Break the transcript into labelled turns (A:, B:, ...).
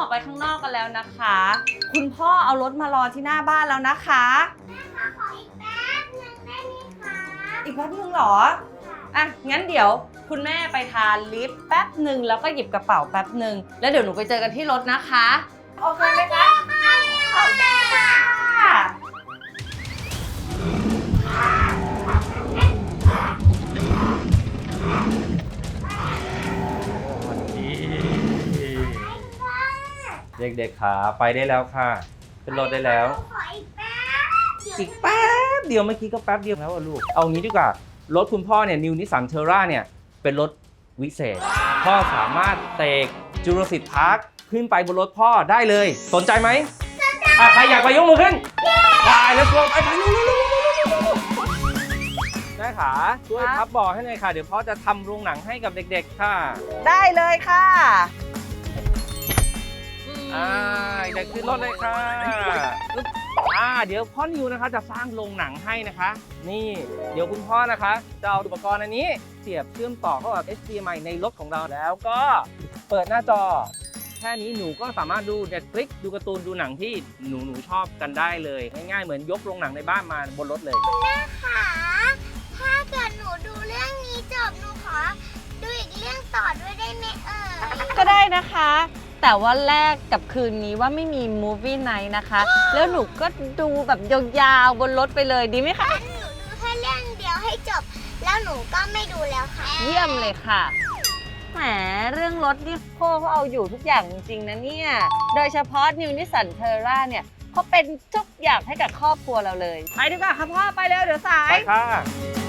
A: อกไปข้างนอกกันแล้วนะคะ คุณพ่อเอารถมารอที่หน้าบ้านแล้วนะคะ
B: แม่คะขออีกแป๊บหนึ่งได้ไหมคะ
A: อีกแป๊บนึงเหรออ่ะงั้นเดี๋ยวคุณแม่ไปทานลิฟต์แป๊บหนึ่งแล้วก็หยิบกระเป๋าแป๊บหนึ่งแล้วเดี๋ยวหนูไปเจอกันที่รถนะคะโอเคไหมคะโอเคค่ะ
C: เด็กๆขาไปได้แล้วค่ะขึ้นรถได้แล้ว
B: ขออีกแป๊บ
C: อีกแป๊บเดียวเมื่อกี้ก็แป๊บเดียวแล้วอะลูกเอางี้ดีกว่ารถคุณพ่อเนี่ยนิวนิสสันเทอร่าเนี่ยเป็นรถวิเศษพ่อสามารถเตกจูราสสิคพาร์คขึ้นไปบนรถพ่อได้เลยสนใจไหมใครอยากไปยกมือขึ้นไปแล้วก็ไปได้ค่ะช่วยพับเบอกให้หน่อยค่ะเดี๋ยวพ่อจะทำโรงหนังให้กับเด็กๆค่ะ
A: ได้เลยค่ะ
C: เด็กขึ้นรถเลยค่ะเดี๋ยวพ่อนิวนะคะจะสร้างโรงหนังให้นะคะ นี่เดี๋ยวคุณพ่อนะคะจะเอาอุปกรณ์อันนี้เสียบเชื่อมต่อเข้ากับ HDMI ในรถของเราแล้วก็เปิดหน้าจอแค่นี้หนูก็สามารถดู Netflix ดูการ์ตูนดูหนังที่หนูชอบกันได้เลยง่ายๆเหมือนยกโรงหนังในบ้านมาบนรถเลย
B: แม่คะถ้าเกิดหนูดูเรื่องนี้จบหนูขอดูอีกเรื่องต่อด้วยได้ไหม
A: ก็ได้นะคะแต่ว่าแลกกับคืนนี้ว่าไม่มี Movie Night นะคะ แล้วหนูก็ดูแบบยาวๆบนรถไปเลยดีไหมคะ
B: หนูดูแค่เรื่องเดียวให้จบ แล้วหนูก็ไม่ดูแล้วค่ะ
A: เยี่ยมเลยค่ะแหมเรื่องรถนี่พ่อเขาเอาอยู่ทุกอย่างจริงๆนะเนี่ยโดยเฉพาะนิวนิสสันเทอร่าเนี่ยเขาเป็นทุกอย่างให้กับครอบครัวเราเลยไปดีกว่าค่ะพ่อไปเร็วเดี๋ยวสาย
C: ไปค่ะ